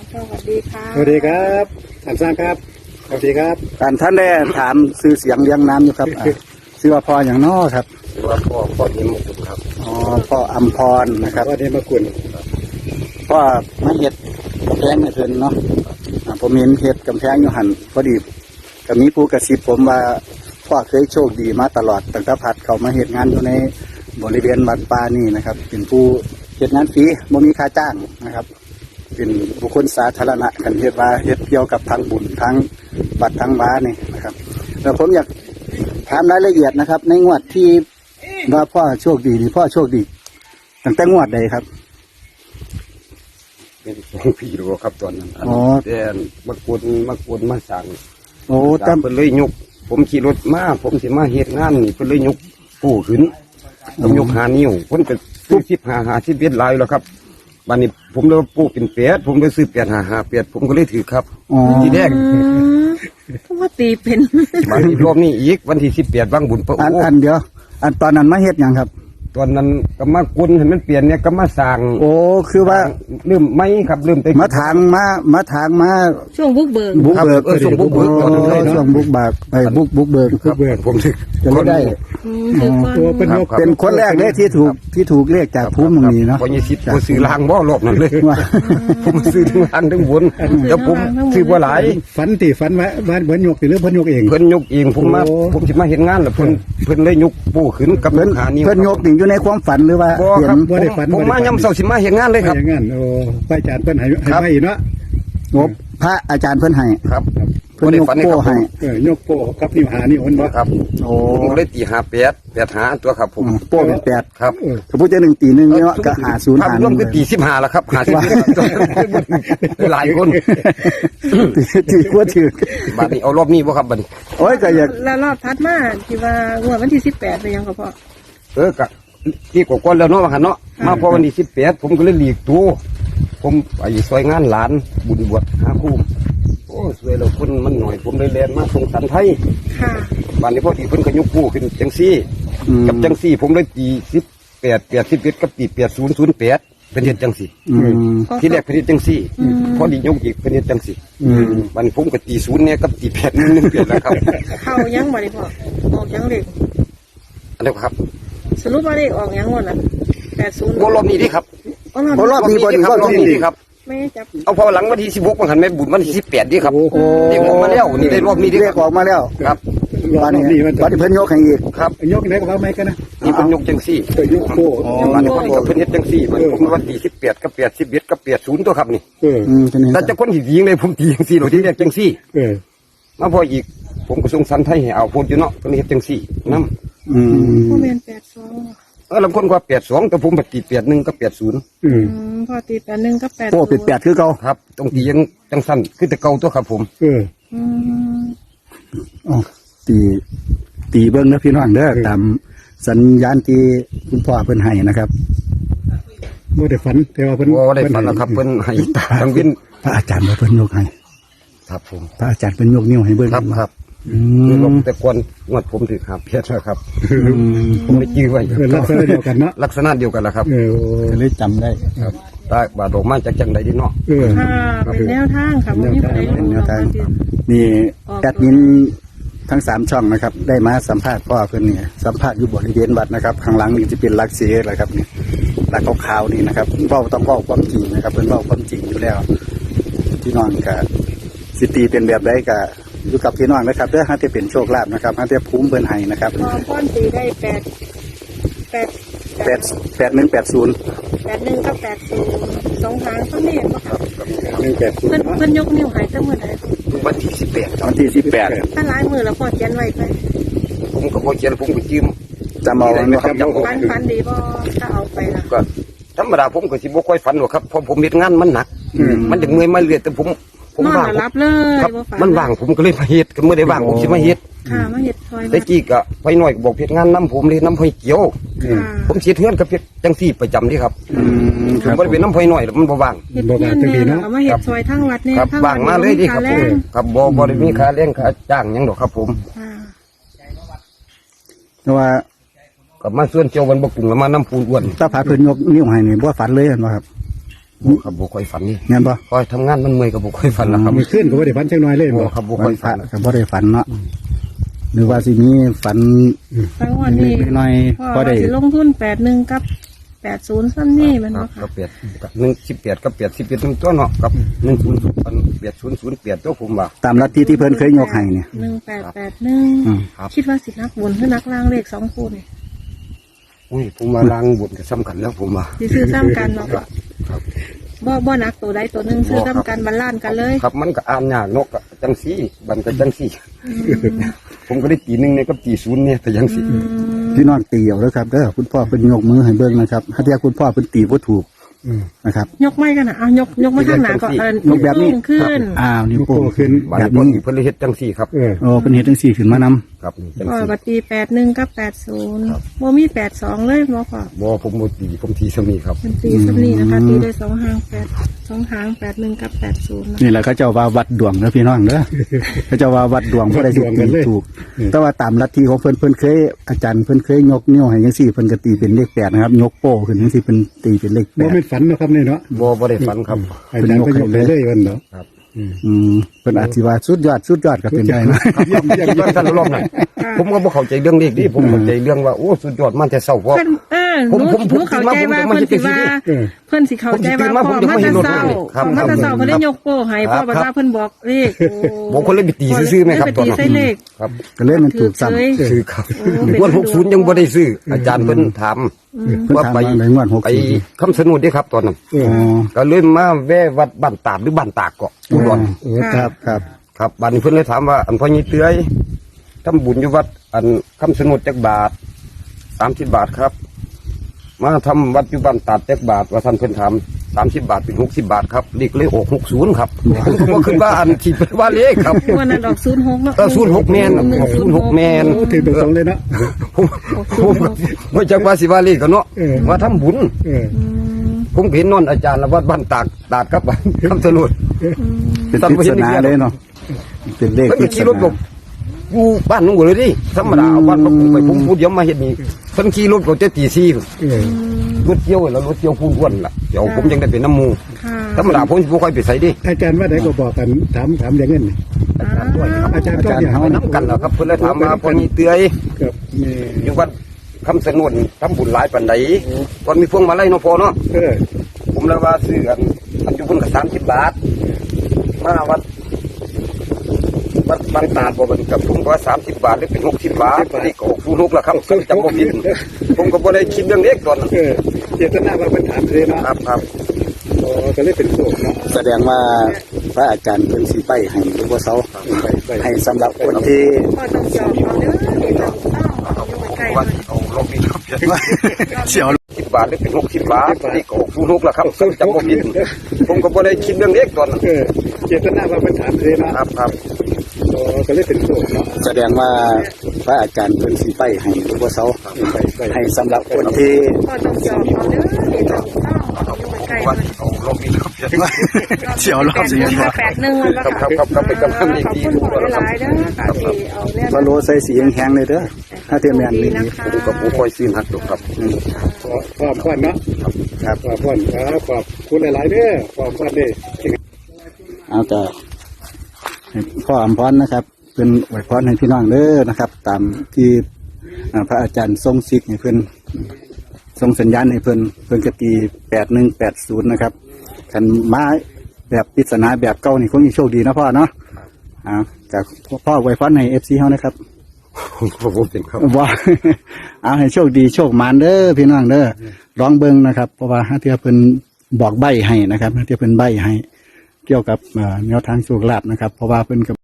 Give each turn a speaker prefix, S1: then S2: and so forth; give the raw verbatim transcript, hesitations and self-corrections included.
S1: สวัสดีค่ะ
S2: สวัสดีครับท่านสร้างครับสวัสดีครับ
S3: ท่านท่านได้ถามซื้อเสียงเลี้ยงน้ำอยู่ครับอ่ะซื้อว่าพออย่างน้อครับ
S4: หรือว่าพ่อพ่อเนียมกุฎครับ
S3: อ๋อพ่ออัมพรนะครับ
S2: วันนี้มากุน
S3: พ่อมาเฮ็ดกำแพงให้เพิ่นเนาะอ่ะผมเห็นเฮ็ดกำแพงอยู่หันพอดีก็มีผู้กระซิบผมว่าพ่อเคยโชคดีมาตลอดตั้งแต่พัดเขามาเฮ็ดงานอยู่ในบริเวณวัดป่านี่นะครับ เป็นผู้เฮ็ดงานฟรีบ่มีค่าจ้างนะครับ เป็นบุคคลสาธารณะกันเฮ็ดว่าเฮ็ดเกี่ยวกับทางบุญทางวัดทางบ้านนี่นะครับแล้วผมอยากถามรายละเอียดนะครับ ในงวดที่ว่าพ่อโชคดีนี่พ่อโชคดีตั้งแต่งวดใดครับ
S4: เป็นสองพี่รู้ครับตอนนั้น
S3: อ๋อ
S4: แต่มากวนมากวนมาสั่ง
S3: โอ้
S4: ตา
S3: ตั้
S4: ม
S3: ง
S4: เพิ่นเลยยกผมขี่รถมาผมสิมาเฮ็ดงานนี่เพิ่นเลยยกปูขึ้นผมยกหานิ้วเพิ่นก็ซื้อสิบหาหาสิบเอ็ดลายแล้วครับบัดนี้ผมเลยปูเป็นแปดผมเลยซื้อแปดหาหาแปดผมก็เลยถือครับ
S3: อ๋อ
S4: ทีแรก
S1: เพราะว่าตีเป็น
S4: บัดนี้รอบนี้อีกวันที่สิบแปดวังบุญพระ
S3: อัน
S4: โอ้
S3: อันเดียว อันตอนนั้นมาเฮ็ดหยังครับ
S4: ตอนนั้นก็มากวนให้มันเปลี่ยนเนี่ยก็มาสั่ง
S3: โอ้คือว่า
S4: ลืมไหมครับลืมไป
S3: มาทางมามาทางมา
S1: ช่วงบุกเบิก
S3: บุกเบิก
S4: เออส่งบุกเบิก
S3: โอ้
S4: ตอนนั้นเลยเนาะ
S3: ช่วงบุกบากไปบุกบุกเบิก
S4: ครับผมถือ
S3: จะไม่ได้
S1: อืมคือก่อน
S2: ตัวเป็นนก
S3: เป็นคนแรกเลยที่ถูกที่ถูกเรียกจากภูมิตรงนี้เนาะ
S4: พอยี่สิบผมซื้อรางบ่รอบนั่นเลย
S3: ว่า
S4: ผมซื้อทั้งรางทั้งบนแล้วผมซื้อว่าหลาย
S2: ฝันตีฝันไว้บ้านเหมือนยกตีหรือเพิ่นยกเอง
S4: เพิ่นยกเองผมมา
S2: โอ้
S4: ผมสิมาเห็นงานแล้วเพิ่นเพิ่นเลยยกปูขึ้นกับ
S3: เพิ่น
S4: หานิ้ว
S3: เพิ่นยกนี่อยู่ในความฝันหรือว่า
S4: บ่
S3: เห็
S4: ครับ
S3: น
S2: บ่ได้ฝัน
S4: ผม
S2: บ่ได้ฝัน
S4: มายำเสาสิมาเห็นงานเลยครับ
S2: อย่างงั้นโอ้พระอาจารย์เพิ่นให้ให้
S4: ครับ
S2: ไม่เนาะ
S3: งบพระอาจารย์เพิ่นให้
S4: ครับ
S3: เพิ่นยก
S4: บ่ได้
S3: โป้
S4: ฝัน
S3: ให้
S2: เออยกโป้กับนิ้วหานี่เพิ่นบ่
S4: ครับ
S3: โอ้
S4: ผมเลยตีหาแปดแปดหาตัวครับผม
S3: โป้เป็นแปด
S4: ครับ
S2: เออ
S3: ถ้าพูดจะหนึ่งตีหนึ่งเนาะก็หาศูนย์
S4: ภาพ
S3: หาร
S4: วมคือตีสิบห้าแล้วครับหาสิบหลายคน
S3: ตีขั้วถือ
S4: บัดนี้เอารอบนี้บ่ครับบัดนี้
S3: โอ้ยก็อยาก
S1: แล้วรอบทัดมาที่ว่างวดวันที่สิบแปดเป็นยังก็พอ
S4: เออกะที่กว่าๆแล้วเนาะว่าหั่นเนาะมาพอวันที่สิบแปดผมก็เลยหลีกตัวผมไปซอยงานหลานบุญบวชหาคู่โอ้สวยแล้วคนมันหน่อยผมเลยแลนมาส่งสันไทย
S1: ค่ะ
S4: บ้านนี้พอดีเพิ่นก็ยกคู่ขึ้นจังซี่
S3: อืม
S4: กับจังซี่ผมเลยตีสิบแปดแปดสิบเอ็ดกับตีแปดศูนย์ศูนย์แปดเป็นเฮ็ดจังซี่
S3: อืม
S4: ที่แรกเป็นเฮ็ดจังซี่ พอดียกอีกเป็นเฮ็ดจังซี่
S3: อืม
S4: บ้านนี้ผมก็ตีศูนย์เนี่ยกับตีแปดหนึ่งหนึ่งเปลี่ยนแล้วครับ
S1: เข้ายังบ่ได้พอออกยังเด็ก
S4: อันนี้ครับ
S1: สรุปว่าเลขออกยังงวดน่ะแปดศูนย์
S4: โอ้รอบนี้ดิครับ
S3: เพราะรอบนี้บ่ดี
S4: ครับ
S3: ร
S4: ร
S3: อ
S4: อ
S3: บบ นี้
S4: นี้ดิครับ
S1: ไม่จับ
S4: เอาพอหลังวันที่สิบหกมันหันแม่บุญวันที่สิบแปดดิครับ
S2: โอ้โห
S4: เด็กออกมาแล้วนี่ได้รอบนี้ดิ
S3: เรียกออกมาแล้ว
S4: ครับ
S2: รอบ
S3: ตอนนี้
S2: นี้มัน
S3: ตอนนี้เพิ่นยกให้อีก
S4: ครับ
S2: ยกไหนก็ว่าไม่กันนะ
S4: นี่เป็นยกจังซี่
S2: เออยกโป้
S4: บ้านนี้พอดีกับเพิ่นเฮ็ดจังซี่มันผมวันที่สิบแปดกับแปดสิบเอ็ดกับแปดศูนย์ตัวครับนี่
S2: เออ
S3: อืมทีนี้
S4: แต่จะคนที่ยิงเลยผมตีจังซี่โดยที่เรียกจังซี่
S2: เออ
S4: มาพออีกผมก็ส่งสันไทยให้เอาพูดอยู่เนาะเพิ่นเฮ็ดจังซี่นำ
S3: อืม
S1: พ่อแม่นแปดสอง
S4: เออลำคนกว่าแปดสองแต่ผมปฏิแปดหนึ่งกับแปดศูนย์
S2: อืม
S1: อืมพอตีแปดหนึ่งกับแปด
S3: โป้เป็นแปดคือเก่า
S4: ครับตรงตียังจังสั้นคือแต่เก่าตัวครับผม
S2: เออ
S1: อืม
S3: อ๋อตีตีเบิ้งนะพี่น้องเด้อตามสัญญาณที่คุณพ่อเพิ่นให้นะครับ
S2: บ่ได้ฝันแต่ว่าเพิ่น
S4: ว่าได้ฝันแล้วครับเพิ่นให้ทางวิน
S3: พระอาจารย์ว่าเพิ่นยกให้
S4: ครับผม
S3: พระอาจารย์เพิ่นยกนิ้วให้เบิ้ง
S4: ครับครับ
S3: อื
S4: คือล
S3: ม
S4: มแต่ก่อนงวดผมถือครับเพียรแล้วครับ
S3: อืม
S4: ผมได้จื้อไว้
S2: เออลักษณะเดียวกันเนาะ
S4: ลักษณะเดียวกันแหละครับ
S2: เออ
S3: ก็เลยจำได้
S4: ครับตาบาดออกมาจากจังใดดีเนาะ
S2: เออ
S1: ค่ะเป็นแนวทางค่ะวันนี้ไป
S3: เป็นแนวทาง นี่แอดมินทั้งสามช่องนะครับ ได้มาสัมภาษณ์พ่อเพิ่นนี่สัมภาษณ์อยู่บริเวณวัดนะครับ ข้างหลังนี่จะเป็นหลักเสียแหละครับนี่หลักขาวๆนี่นะครับเว้าต้องเว้าความจริงนะครับเพิ่นเว้าความจริงอยู่แล้วพี่น้องก็สิตีเป็นแบบใดก็อยู่กับพี่น้องนะครับเด้อฮะที่เป็นโชคลาภนะครับฮะที่ภูมิเพิ่นให้นะครับ
S1: พอป้อนตีได้แปดแปด
S3: แปดแปดหนึ่งแปดศูนย์
S1: แปดหนึ่งกับแปดศูนย์สองทางเขาไม่เห็นปะค่ะ
S2: หนึ่งแปดศูน
S1: เพิ่น
S2: ย์เนาะ
S1: เพิ่นยกนิ้วใหายตั้งเมื่อไหร่
S4: วันที่สิบแปด
S3: วันที่สิบแปด
S1: ถ้าหลายมือแล้วพอเขียนไว้ไป
S4: ผมก็บ่เขียนผมก็จืม
S3: จำเอาไว้นะครับ
S4: จำเอา
S1: ฟันฟันดีพอถ้าเอาไปละ
S4: ก็ธรรมดาผมก็สิบ่ค่อยฝันหรอกครับเพราะผมเฮ็ดงานมันหนัก
S3: อืม
S4: มันจะเมื่อยมาเรื่อยแต่ผมผม
S1: นอน
S4: ว่าง
S1: แล้วรับเลย
S4: ครับ
S1: บ่ฝัน
S4: มันว่างผมก็เลยมาเฮ็ดก็เมื่อได้ว่างผมสิมาเฮ็ด
S1: ค่ะมาเห็ดซอย
S4: แต่กี้ก็ไปหน่อยก็บอกเฮ็ดงานน้ำผมเลยน้ำไฟเกี่ยว
S1: ค่ะ
S4: ผมเสียเทือนกับเฮ็ดจังซี่ประจำนี่ครับ
S3: อืมค
S4: ผม
S3: รับ
S4: บ่ได้เป็นน้ำไฟหน่อยหรอกมันบ่ว่าง
S1: เห็ดเพี้ยนเนี่ยแล้วเอามาเห็ดซอยทั้งวัดเนี่ย
S4: ครับ
S1: ทั้ง
S4: ว่างมาเลยดิครับ
S1: แร
S4: ผม
S1: ง
S4: ครับบ่บ่ได้มีค่าแรงค่าจ้างหยังดอกครับผม
S1: ค่ะ
S3: เพราะว่า
S4: ก็มาส่วนเจียววันบกกุ่งแล้วมาน้ำปูนอ้วน
S3: ถ้าพาเพิ่นยกนิ้วให้นี่บ่ฝันเลยเห็นบ่ครับ
S4: บ่ครับบ่ค่อยฝันนี่
S2: งั้นบ่
S4: คอยทำงานมันเมื่อยก็บ่ค่อยฝันแล้วครับ
S2: มีขึ้นก็บ่ได้ฝันจักหน่อยเลย
S4: บ่
S2: บ่
S4: ครับบ่
S2: วั
S4: ค่อน ย
S2: พระ
S4: ฝัน
S2: ก็บ่ได้ฝันเนาะหรือว่าสิมีฝัน
S1: ฟังวันนี้
S2: เล็กๆน้อยๆ
S1: พ่อ
S2: พอได้
S1: ว่าสิลงทุนแปดหนึ่งกับแปดศูนย์ซ้ำนี่มัน
S4: ครั
S1: เนาะ
S4: บ
S1: ค่ะ
S4: ก็เปลี่ยนกับหนึ่งสิบแปดกับเปลี่ยนสิบเอ็ดตัวเนาะกับหนึ่งศูนย์ศูนย์เปลี่ยนศูนย์ศูนย์เปลี่ยนตัวผมว่า
S2: ตามลัทธิที่เพิ่นเคยยกให้เนี่ย
S1: หนึ่งแปดแปดหนึ่ง
S2: อืม
S4: ครับ
S1: คิดว่าสินักบนหรือนักล่างเลขสองคู่นี่
S4: อุ้ยผมมาล้างบุญก็สำคัญแล้วผมว่า
S1: สิซื้อซ้ำกันเนาะ
S4: ครับ
S1: บ่บ่นักตัวใดตัวหนึ่งซื้อซ้ำกันบรรลานกันเลย
S4: ครับมันก็อ่านยากนกก็จังซี่บันก็จังซี่
S1: อืม
S4: ผมก็ได้ตีหนึ่งในกับตีศูนย์เนี่ยแต่ยังซี่
S1: อืม
S2: พี่น้องตีเอาแล้วครับเด้อคุณพ่อเพิ่นยกมือให้เบิ่งนะครับถ้าเทียคุณพ่อเพิ่นตีบ่ถูกนะครับ
S1: ยกไม่กันนะอ่ะยกยกมาข้างหน้าก่อนเออย
S2: กแบบนี้
S1: โป้งขึ้น
S2: อ้าวนิ้วโป้งขึ้น
S4: บัน
S2: แบบ
S4: นี้
S2: นี้
S4: เพิ่นเลยเฮ็ดจังซี่ครับ
S2: โอ้เป็นเฮ็ดจังซี่ขึ้นมานำ
S4: ครับนี่จัง
S1: ก็
S4: ซี่
S1: ปฏิแปดหนึ่งกับแปดศูนย์โมมีแปดสองเลยหมอค่ะ
S4: บ่ผมบ่ตีผมทีสมีครับ
S1: เป็นตีสันี่นะคะตีได้สองหางแปดสองหางแปดหนึ่งกับแปดศูนย์นะ
S2: นี่แหละเขาเจ้าว่าวัดดวงเด้อพี่น้องเด้อ เขาเจ้าว่าวัดดวงบ่ได้สิตีถูก แต่ว่าตามลัทธิของเพิ่นเพิ่นเคยอาจารย์เพิ่นเคยยกนิ้วให้จังซี่เพิ่นก็ตีเป็นเลขแปดนะครับยกโป้ขึ้นจังซี่เพิ่นตีเป็นเลขแป
S5: บ่
S2: ด
S5: เป็นฝันเนาะครับนี่เนาะ
S4: บ่บ่ได้ฝันครับ
S5: อาจารย์ก็ยกไปเลยวันเนาะ
S4: ครับ
S2: อืมเพิ่นอาจสิว่าสุดยอดสุดยอดก็เป็นได้นะ
S4: เยี่ยมเยี่ยมเยี่ยมท่านรอบหน่อยผมก็บ่เข้าใจเรื่องเลขนี่ผมเข้าใจเรื่องว่าโอ้สุดยอดมันจะเศร้าเพราะ
S1: เพิ่นเออห
S4: ผม
S1: นู
S4: ผม
S1: หนูเข้าใจว่า
S4: ผม
S1: เพิ่นสิว่า
S4: เออ
S1: เพิ่นสิเข้าใจว่าพ่อมาแต่เศร้า
S4: ครับ
S1: พ่อมาแต่เศร้า
S4: ครับ
S1: เพิ่นได้ยกโป้ให้พ่อบอกว่าเพิ่นบอกเลขโอ้
S4: ผมก็เลยไปตีซื่อๆไหมครับ
S1: เลย
S4: ต
S1: ไป
S4: อน
S1: ตี
S4: นั้น
S1: ใส่เลข
S4: ครับ
S2: ก็เลยมันถูกซ้ำ
S1: เฉย
S4: ซื้อครับ
S1: โอ้เป็น
S4: วันหกศูนย์ยังบ่ได้ซื้อ อาจารย์เพิ่นถาม
S1: อืม
S2: เพิ่น
S4: ว่า
S2: ถาม
S4: ไป
S2: ว่าในงวด
S4: ไป
S2: หกสิบ
S4: คำสนุนเด้ครับตอนนั้น
S2: อ๋อ
S4: ก็เลยมาแวะวัดบ้านตาดหรือบ้านตากเกาะอุดร
S2: โอ้ครับครับ
S4: ครับบ้านนี้เพิ่นเลยถามว่าอันพ่อยี่เตื้อยทำบุญอยู่วัดอันคำสนุนจักบาทสามสิบบาทครับ มาทำวัดอยู่บ้านตาดจักบาทว่าท่านเพิ่นถามสามสิบบาทเป็นหกสิบบาทครับเลขเลยออกหกศูนย์ครับผมก็บ่คิดว่าอันที่เป็นว่าเลขครับ
S1: วันนั้นดอกศูนย์หกเนาะ
S4: เออศูนย์หกแมนศูนย์หกแมน
S5: โอ้ถือตรงๆเลยเนาะ
S4: ผมผมไม่จักว่าสิว่าเลขกันเนาะ
S5: เออ
S4: มาทำบุญ
S5: เออ
S1: อืม
S4: ผมเห็นนอนอาจารย์ละวัดบ้านตากตากครับคำสนุน
S1: อืม
S2: เป็นปริศนาเลยเนาะเป็นเลข
S4: แล้ว
S2: ปริ
S4: ก็
S2: ศ
S4: ขี่รถหล
S2: นา
S4: บอยู่บ้านนุ่งเลยดิธรรมดาเอาบ้านผมไปผมพูดเดี๋ยวมาเห็นนี่เพิ่นขี่รถก็จะตีซี่
S5: เออ
S4: รถเกี่ยวแล้วรถเกี่ยวพูนอ้วนล่ะเดี๋ยวผมยังได้เป็นน้ำมู
S1: ค่ะ
S4: ธรรมดาผมบ่ค่อยไปใส่ดิ
S5: อาจารย์ว่าไหนก็บอกกันถามถามอย่างเงี้ยนี่
S1: อ้าว
S5: อาจารย์ก็อย่าง
S4: ไปน้ำกันแล้วครับเพิ่นเลยถามมาพอนี้เตื้อย
S5: กับนี่
S4: อยู่วัดคำสนุนทำบุญหลายปานใดก่อนมีพวงมาลัยเนาะพอเนาะ
S5: เออ
S4: ผมเลยว่าซื้อกันอันอยู่พุ่นกับสามสิบบาท มาวัดวัดบางตาดบอกมันกับผมก็ว่าสามสิบบาทหรือเป็นหกสิบบาทนี่ก็ฟูนุกแล้วครับผมจำบ่ผิดผมก็บ่ได้คิดเรื่องเล็กตอนนั้น
S5: เออเจตนาว่าเป็นถามเลยเนาะ
S4: ครับครับ
S5: โอ้ก็เลยเป็นโศกเนาะ
S2: แสดงว่าพระอาจารย์เพิ่นสิไปให้หรือว่าเซา
S5: ไปไป
S2: ให้สำหรับคนที่
S1: พ่อต้องยอมเอาเด้อต้องเอาอยู่ใกล้
S4: ว่า
S1: ๆเลย
S4: เอาลงมีครับ
S2: เสียว
S4: สิบบาทหรือเป็นหกสิบบาทนี่ก็ฟูนุกแล้วครับผมจำบ่ผิดผมก็บ่ได้คิดเรื่องเล็กตอนนั้น
S5: เออเจตนาว่าเป็นถามเลยเนาะ
S4: ครับครับ
S5: โอ้ก็เลยเป็นโศกเนาะ
S2: แสดงว่าพระอาจารย์เพิ่นสิไปให้หรือว่าเซา
S5: ไปไป
S2: ให้สำหรับคนที่
S1: พ่อต้องยอมเอาเด้อต้องเอาอยู่ใกล้ๆ
S4: ว่า
S1: เลย
S4: เอาลงมีครับ
S2: เสียวรอบเสียงว่า
S1: แปดหนึ่งวันละ
S4: ครับครับครับครับไปกำลัง
S1: ขอบคุณพ่อหลายๆเด้อค่ะที่เอาเนี่ย
S2: พะโลใส่สีแห้งๆเลยเด้อถ้าเทียมแม่น
S1: ดี
S2: นี่
S1: นะคะ
S4: ผมก็บ่ค่อยซื้อหักดอกครับ
S2: อืม
S5: ขอความควันเนาะ
S2: ครับ
S5: ความควันครับขอบคุณหลายๆเด้อความควันเด้อ
S2: เอาแต่ให้พ่ออำพรนะครับ เป็นอวยพรให้พี่น้องเด้อนะครับ ตามที่อ่าพระอาจารย์ทรงสิกให้เพิ่นทรงสัญญาณให้เพิ่นเพิ่นกตีแปดหนึ่งแปดศูนย์นะครับขันไม้แบบปริศนาแบบเก่านี่คงมีโชคดีนะพ่อเนาะอ่าจากพ่ออวยพรให้เอฟซีเฮานะครับ
S4: ผมบ่เป็นครับ
S2: ว่า เอาให้โชคดีโชคมานเด้อพี่น้องเด้อร้องเบิ่งนะครับ เพราะว่าฮะเทียเพิ่นบอกใบให้นะครับฮะเทียเพิ่นใบให้ เกี่ยวกับอ่าแนวทางโชคลาภนะครับ เพราะว่าเพิ่นกับ